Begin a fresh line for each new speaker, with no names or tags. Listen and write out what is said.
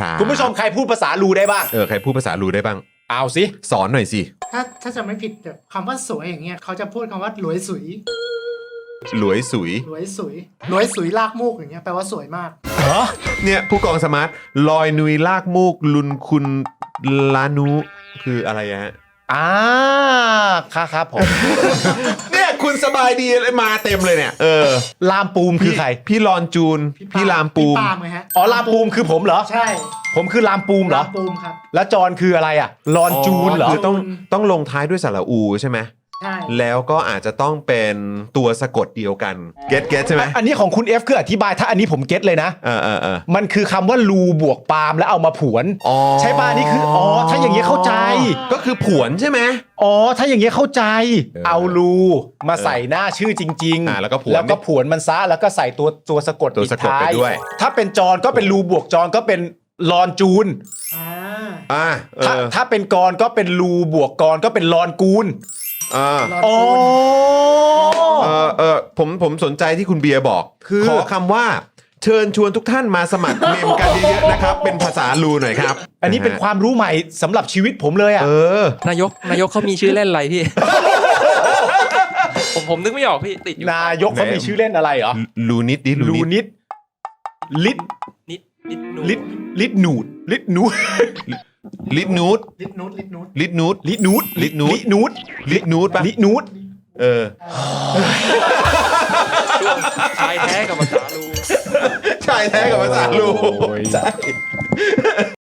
นะครับ
คุณผู้ชมใครพูดภาษาลูได้บ้าง
ใครพูดภาษาลูได้บ้าง
เอาสิ
สอนหน่อยสิ
ถ้าจะไม่ผิดแบบคำว่าสวยอย่างเงี้ยเขาจะพูดคำว่าหลวยสุย
หลวยสุย
หลวยสุยหลวยสุยลากมูกอย่างเงี้ยแปลว่าสวยมาก
เนี่ยผู้กองสมาร์ทลอยนุยลากมูกลุนคุณลานุคืออะไรฮะ
ครับผม
เนี่ยคุณสบายดีเลยมาเต็มเลยเนี่ย
ลามปูมคือใคร
พี่ลอนจูนพี่ลามปูม
พี่ปาล์มไงฮะ
อ๋อลามปูมคือผมเหรอ
ใช่
ผมคือลามปูมเหรอ
ลามปูมครับ
แล้วจอนคืออะไรอ่ะลอนจูนเหรอ
คือต้องลงท้ายด้วยสระอูใช่ไหม
ใช่
แล้วก็อาจจะต้องเป็นตัวสะกดเดียวกันเก็ตใช่ไหม
อันนี้ของคุณ F คืออธิบายถ้าอันนี้ผมเก็ตเลยนะ มันคือคำว่าลูบวกปาล์มแล้วเอามาผวน ใช่ป่ะอันนี้คือถ้าอย่างเงี้ยเข้าใจ
ก็คือผวนใช่ไหม
ถ้าอย่างเงี้ยเข้าใจ เอาลูมาใส่หน้าชื่อจริง
แล้วก็ผวน
แล้วก็ผวนมันซะแล้วก็ใส่ตัวสะกด
ตัวสะกดไปด้วย
ถ้าเป็นจอนก็เป็นลูบวกจอนก็เป็นลอนจูน ถ้าเป็นกรก็เป็นลูบวกกรก็เป็นลอนกูล
ผมสนใจที่คุณเบียร์บอกขอคำว่าเชิญชวนทุกท่านมาสมัครเมมกันเยอะๆนะครับเป็นภาษาลูหน่อยครับ
อันนี้เป็นความรู้ใหม่สำหรับชีวิตผมเลยอ่ะ
นายกเขามีชื่อเล่นอะไรพี่ ผมนึกไม่ออกพี่ติดอยู่
นายกเขามีชื่อเล่นอะไรเหรอ
ลูนิดดิ
ลูนิดลิด
นิด
ลิดหนูดลิดหนู
ลิดนูด
ลิดนูดลิดนูด
ลิดนูด
ลิดนูด
ลิดนูด
ลิดนูด
ลิดนูดปะ
ลิดนูด
ชายแท้กับภาษาลู
ชายแท้กับภาษาลู
ใช่